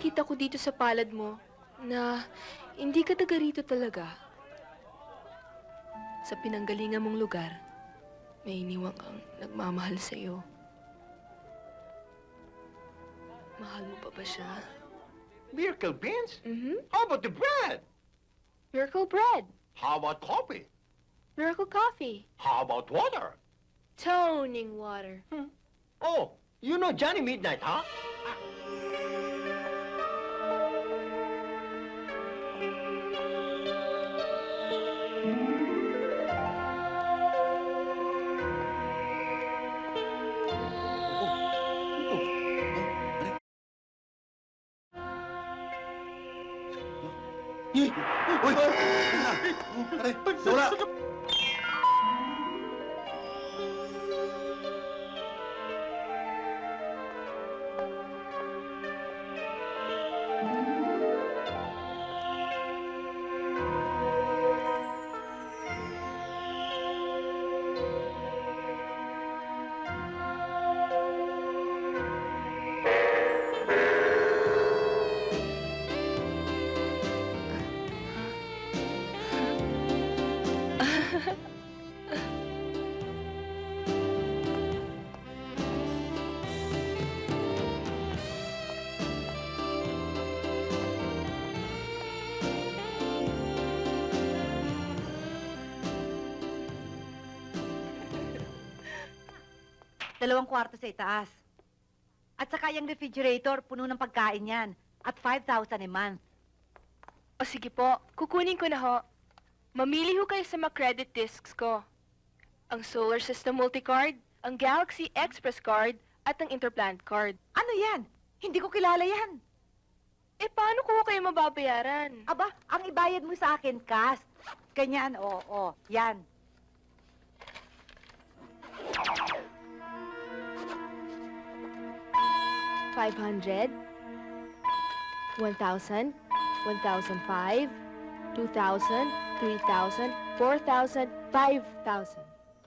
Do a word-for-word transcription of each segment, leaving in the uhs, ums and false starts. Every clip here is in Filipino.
nakikita ko dito sa palad mo na hindi ka taga rito talaga. Sa pinanggalingan mong lugar, may iniwang kang nagmamahal sa'yo. Mahal mo pa ba siya? Miracle beans? Mm-hmm. How about the bread? Miracle bread. How about coffee? Miracle coffee. How about water? Toning water. Hmm. Oh, you know Johnny Midnight, huh? Uy! Aray! Nawala! Dalawang kwarto sa itaas. At saka yung refrigerator, puno ng pagkain yan. At five thousand a month. O sige po, kukunin ko na ho. Mamili ho kayo sa mga credit discs ko. Ang Solar System Multicard, ang Galaxy Express Card, at ang Interplant Card. Ano yan? Hindi ko kilala yan. Eh, paano ko kayo mababayaran? Aba, ang ibayad mo sa akin, cash. Ganyan, oo, oh, oh, yan. five hundred, one thousand, one thousand five, two thousand, three thousand, four thousand, five thousand.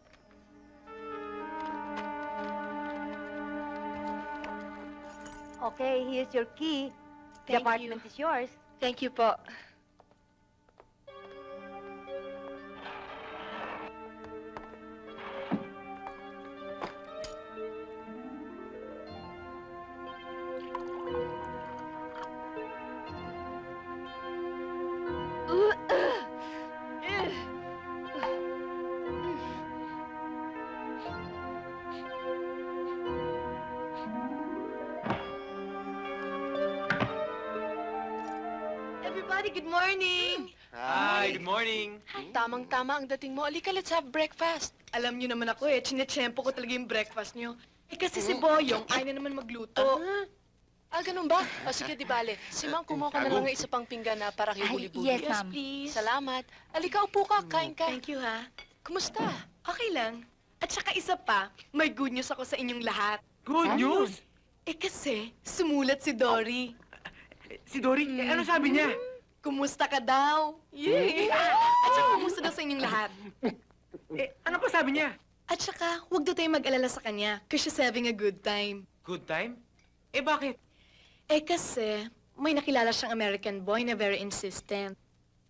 Okay, here's your key. The Thank apartment you. is yours. Thank you po. Everybody, good morning! Hi, good morning. Tamang-tama ang dating mo. Alika, let's have breakfast. Alam niyo naman ako eh, chinechempo ko talaga yung breakfast niyo. Eh kasi si Boyong ay na naman magluto. Ah, ganun ba? O sige, di bale. Si Ma'am, kumuha ka na lang ng isa pang pinggan na para kay Ay, Huli-Buli. yes, ma'am. please. Salamat. Alika, upo ka. Kain ka. Thank you ha. Kumusta? Okay lang. At saka isa pa, may good news ako sa inyong lahat. Good news? Eh kasi, sumulat si Dory. Si Dory, eh, ano sabi niya? Kumusta ka daw? Yay! At saka, kumusta daw sa inyong lahat? Eh, ano pa sabi niya? At saka, huwag daw tayo mag-alala sa kanya, because she's having a good time. Good time? Eh, bakit? Eh kasi, may nakilala siyang American boy na very insistent.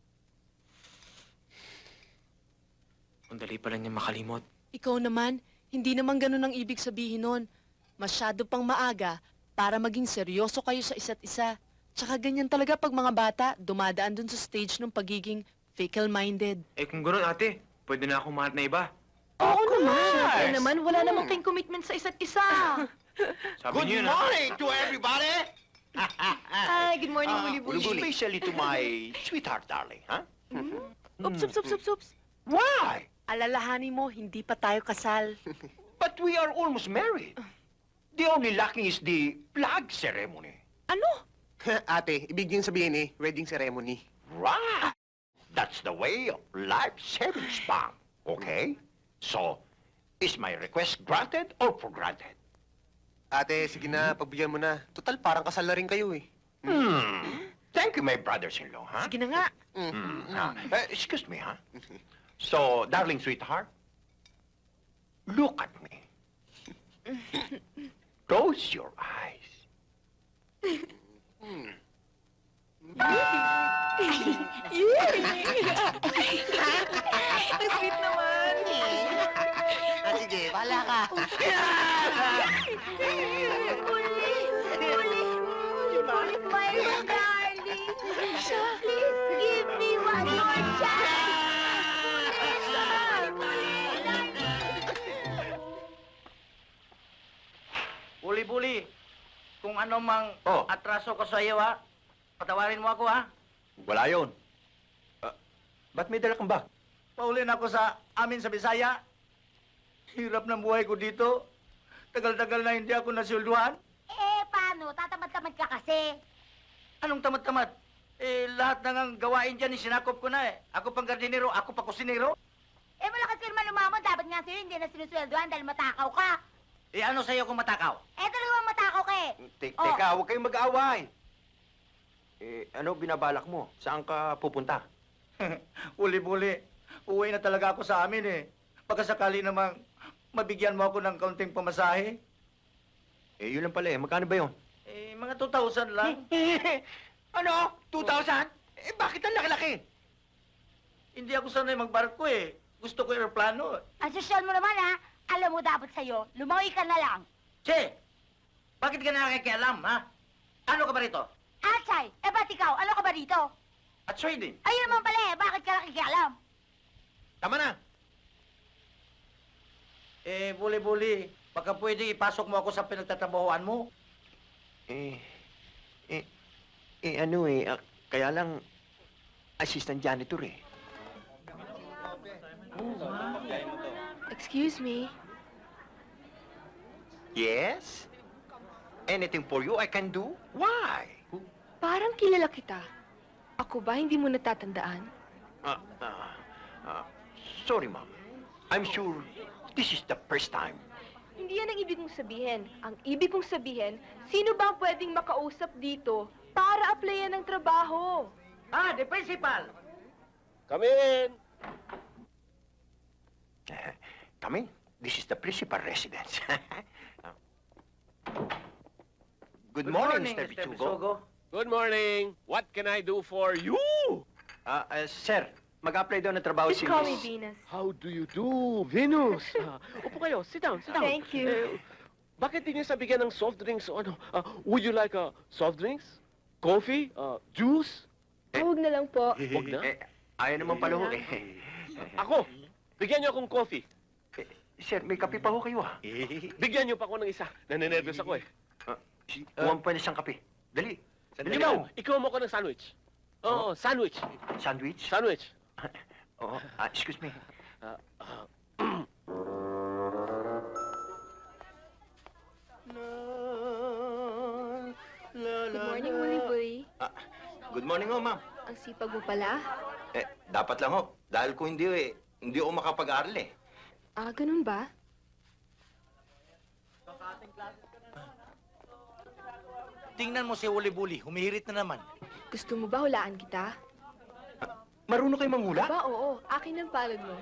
Ang dali pala niya makalimot. Ikaw naman, hindi naman ganun ang ibig sabihin nun. Masyado pang maaga para maging seryoso kayo sa isa't isa. Tsaka ganyan talaga pag mga bata dumadaan dun sa stage ng pagiging fickle-minded. Eh, kung gano'n, ate, pwede na akong mahat na iba. Oo naman! Eh naman, wala namang kayong commitment sa isa't isa. Sabi Good niyo na. morning to everybody! Hi, good morning, Ah, Buli-Buli. Especially to my sweetheart, darling, huh? Ups, ups, ups, ups, ups. Why? Alalahanin mo, hindi pa tayo kasal. But we are almost married. The only lacking is the flag ceremony. Ano? Ate, ibig niyong sabihin eh, wedding ceremony. Right. That's the way of life savings bank. Okay? So, is my request granted or for granted? Ate, sige na, pagbigyan mo na. Total, parang kasal na rin kayo eh. Hmm. Thank you, my brothers-in-law, huh? Sige na nga. Hmm. ah, uh, excuse me, huh? So, darling sweetheart, look at me. Close your eyes. Hmm. Ang sweet naman. Ah, sige, bahala ka. My darling, please give me one more Buli-buli, kung ano mang Oh. atraso ko sa iyo, ha? Patawarin mo ako, ha? Wala yun. Ah, ba't may dala kang bag? Paulin ako sa amin sa Bisaya. Hirap ng buhay ko dito. Tagal-tagal na hindi ako nasulduhan. Eh, paano? Tatamad-tamad ka kasi. Anong tamad-tamad? Eh, lahat na ngang gawain dyan, sinakop ko na eh. Ako pang gardinero, ako pa kusinero. Eh, malakas ka naman lumamon. Dapat nga sa'yo hindi na sinusweldohan dahil matakaw ka. Eh, ano sa'yo kung matakaw? Eh, talagang matakaw ka eh. Te- Oh. Teka, huwag kayong mag-aaway. Eh, ano binabalak mo? Saan ka pupunta? Uli-buli, uwi na talaga ako sa amin eh. Pagkasakali namang mabigyan mo ako ng kaunting pamasahe. Eh, yun lang pala eh. Magkano ba yun? Eh, mga two thousand lang. Ano? two thousand? Eh, bakit ang laki-laki? Hindi ako sanay magbarko eh. Gusto ko aeroplano. Ang sosyal mo naman ha. Alam mo dapat sa'yo, lumawi ka na lang. Che, bakit ka nakikialam, ha? Ano ka ba rito? Atsay, eh ba't ikaw? Ano ka ba dito? At trading. Ayun naman pala eh, bakit ka nakikialam? Tama na. Eh, buli-buli, baka pwede ipasok mo ako sa pinagtatrabahoan mo. Eh, eh, eh, ano eh, ah, kaya lang, assistant janitor eh. Excuse me. Yes? Anything for you I can do? Why? Parang kilala kita. Ako ba hindi mo natatandaan? Ah, ah, ah, sorry, ma'am. I'm sure this is the first time. Hindi yan ang ibig mong sabihin. Ang ibig kong sabihin, sino ba ang pwedeng makausap dito para applyan ng trabaho? Ah, the principal! Come in. Come in. This is the principal residence. Good morning, Mister Bichugo. Good morning. What can I do for you? Ah, ah, sir, mag-apply daw ng trabaho Just si call me Miss... Venus. How do you do, Venus? Ah, upo kayo. Sit down, sit down. Thank you. Eh, bakit di niyo sa bigyan ng soft drinks o ano? Ah, would you like a soft drinks? Coffee? Uh, juice? Huwag na lang po. Wag na. Eh, ayaw naman pala ho eh. Ako, bigyan niyo akong coffee. Eh, Sir, may kape pa ho kayo ah. Bigyan niyo pa ako ng isa. Naninervous ako eh. Kuha pa ng isang kape. Dali. Dali Ikaw, mo. ikaw mo ako ng sandwich. Oo, sandwich. Sandwich? Sandwich. Oo. Ah, excuse me. Ah, ah, Good morning, Willie Boy. Ah, good morning ho, ma'am. Ang sipag mo pala. Eh, dapat lang ho. Dahil kung hindi eh, hindi ako makapag-aaral eh. Ah, ganun ba? Tingnan mo si Uli-buli, humihirit na naman. Gusto mo ba hulaan kita? Marunong kayo manghula? Ba, oo. Akin ang palad mo.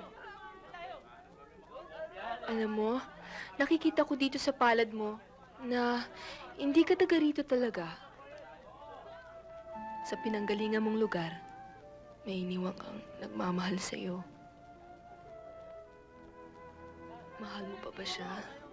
Alam mo, nakikita ko dito sa palad mo na hindi ka taga rito talaga. Sa pinanggalingan mong lugar, may iniwang kang nagmamahal sa'yo. Mahal mo pa ba siya?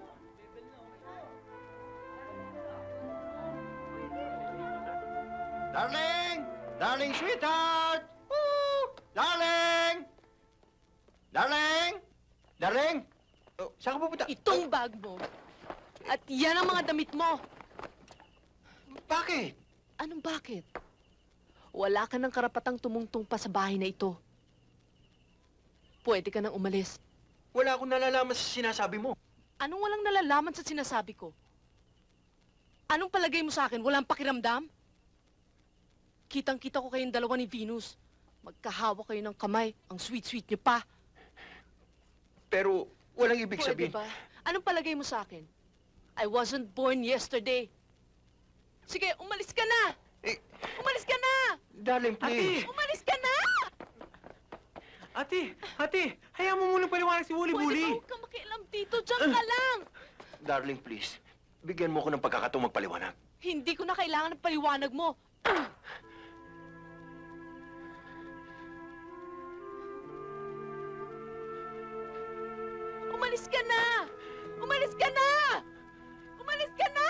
Darling! Darling sweetheart! Woo! Darling! Darling! Darling! Oh, saan ka pupunta? Itong bag mo. At yan ang mga damit mo. Bakit? Anong bakit? Wala ka ng karapatang tumungtong pa sa bahay na ito. Pwede ka nang umalis. Wala akong nalalaman sa sinasabi mo. Anong walang nalalaman sa sinasabi ko? Anong palagay mo sa akin? Walang pakiramdam? Kitang-kita ko kayong dalawa ni Venus. Magkahawa kayo ng kamay. Ang sweet-sweet niyo pa. Pero walang ibig Pwede sabihin. ba? Anong palagay mo sa akin? I wasn't born yesterday. Sige, umalis ka na! Eh, Umalis ka na! darling, please. Umalis ka na! Ate, ate, hayaan mo munang paliwanag si Pwede ba Wuli-Buli. huwag ka makialam dito? Diyan ka lang! Darling, please. Bigyan mo ko ng pagkakataong magpaliwanag. Hindi ko na kailangan ng paliwanag mo. Umalis ka na! Umalis ka na! Umalis ka na!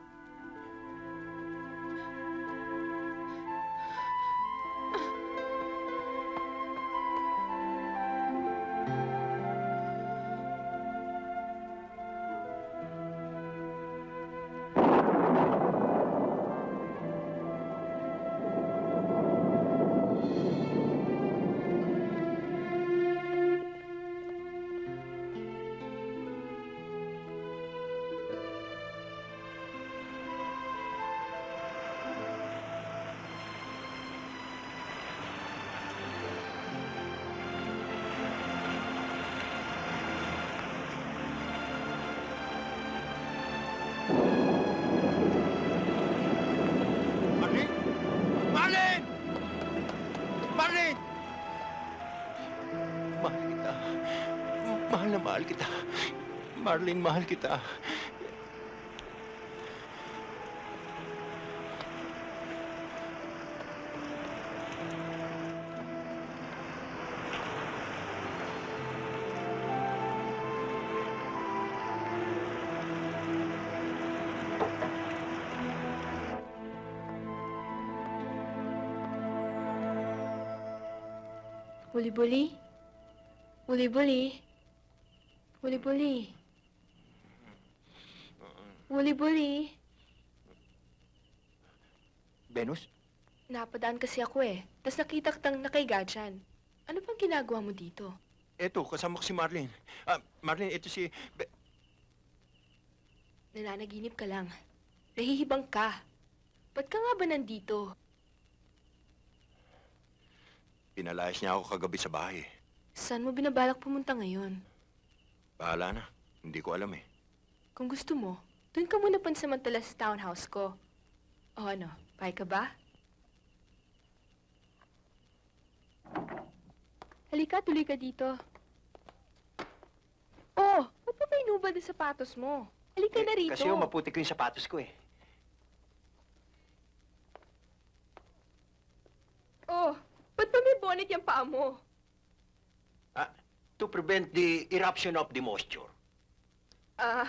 Marlene! Marlene! Marlene! Mahal kita. Mahal na mahal kita. Marlene, mahal kita. Buli-buli. Buli-buli. Buli-buli. Buli-buli. Venus? Napadaan kasi ako eh. Tapos nakita kitang nakaiga dyan. Ano pang ginagawa mo dito? Eto, kasama ko si Marlene. Ah, Marlene, ito si... Be- Nananaginip ka lang. Nahihibang ka. Ba't ka nga ba nandito? Pinalayas niya ako kagabi sa bahay. Saan mo binabalak pumunta ngayon? Bahala na. Hindi ko alam eh. Kung gusto mo, doon ka muna pansamantala sa townhouse ko. O ano, pay ka ba? Halika, tuloy ka dito. Oh, ba't pa may nubad ang sapatos mo? Halika na rito. Kasi yung maputi ko yung sapatos ko eh. Oh, ba't pa may bonnet yung paa mo? Ah, to prevent the eruption of the moisture. Ah,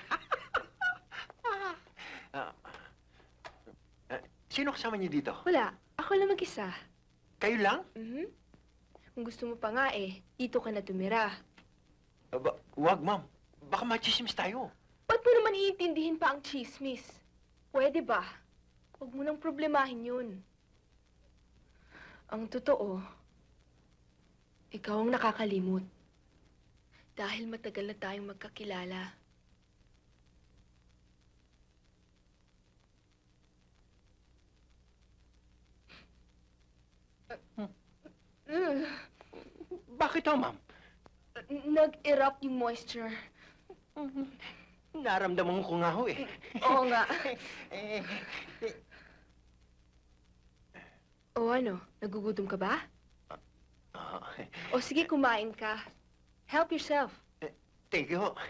Ah, ah, sino kasama niyo dito? wala. Ako lang mag-isa. Kayo lang? Mhm. Kung gusto mo pa nga eh, dito ka na tumira. Aba, wag, ma'am. Baka machismis tayo. Ba't mo naman iintindihin pa ang chismis? Pwede ba? Huwag mo nang problemahin yun. Ang totoo, ikaw ang nakakalimot. Dahil matagal na tayong magkakilala. Uh, Bakit ho, ma'am? Nag-erupt yung moisture. Naramdaman ko nga ho eh. Oo nga. Eh, O ano, nagugutom ka ba? ah, O sige, kumain ka. Help yourself. thank you ho.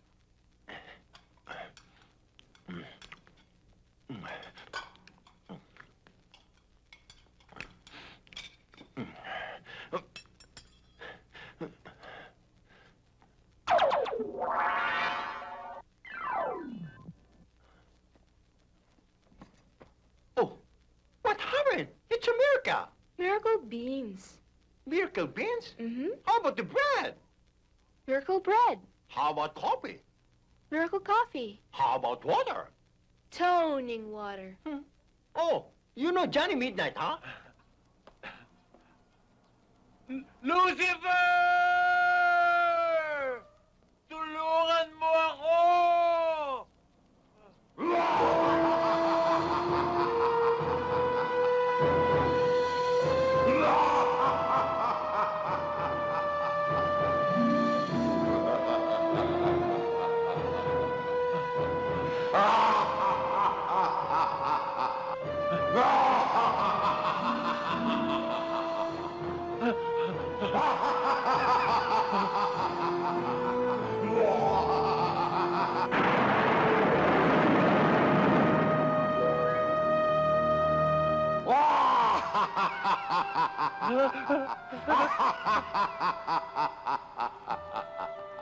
Oh, what happened? It's a miracle. Miracle beans. Miracle beans? Mm-hmm. How about the bread? Miracle bread. How about coffee? Miracle coffee. How about water? Toning water. Oh, you know Johnny Midnight, huh? Lucifer! Tulungan mo ako!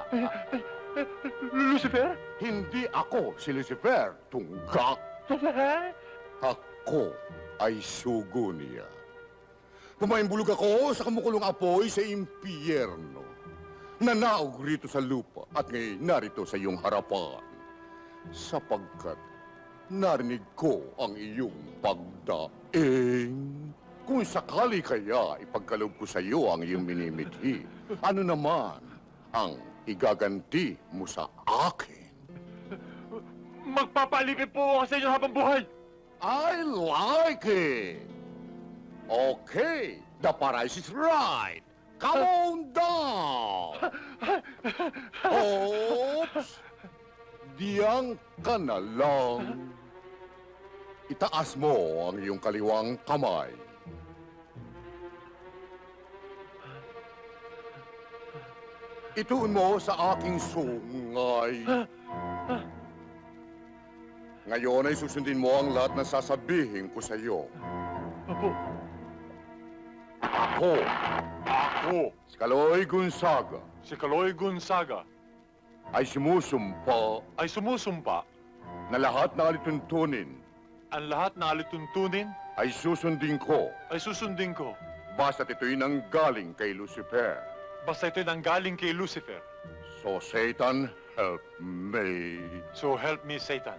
Lucifer? Hindi ako si Lucifer, tunggak. Ako ay sugo niya. Pumaimbulog ako sa kamukulong apoy sa impyerno. Nanaog rito sa lupa at ngayon narito sa iyong harapan. Sapagkat narinig ko ang iyong pagdaing. Kung sakali kaya ipagkaloob ko sa iyo ang iyong minimithi, ano naman ang igaganti mo sa akin? Magpapalipin po ako sa inyo habang buhay. I like it. Okay, the price is right. Come on down. Oops. Diyang ka na lang. Itaas mo ang iyong kaliwang kamay. Ituon mo sa aking sungay. Ngayon ay susundin mo ang lahat ng sasabihin ko sa iyo. Opo. Ako, Ako, si Kaloy Gonzaga, si Kaloy Gonzaga, ay sumusumpa ay sumusumpa na lahat ng alituntunin ang lahat na alituntunin ay susundin ko ay susundin ko. basta't ito'y nanggaling kay Lucifer. Basta ito'y nanggaling kay Lucifer. So, Satan, help me. So help me, Satan.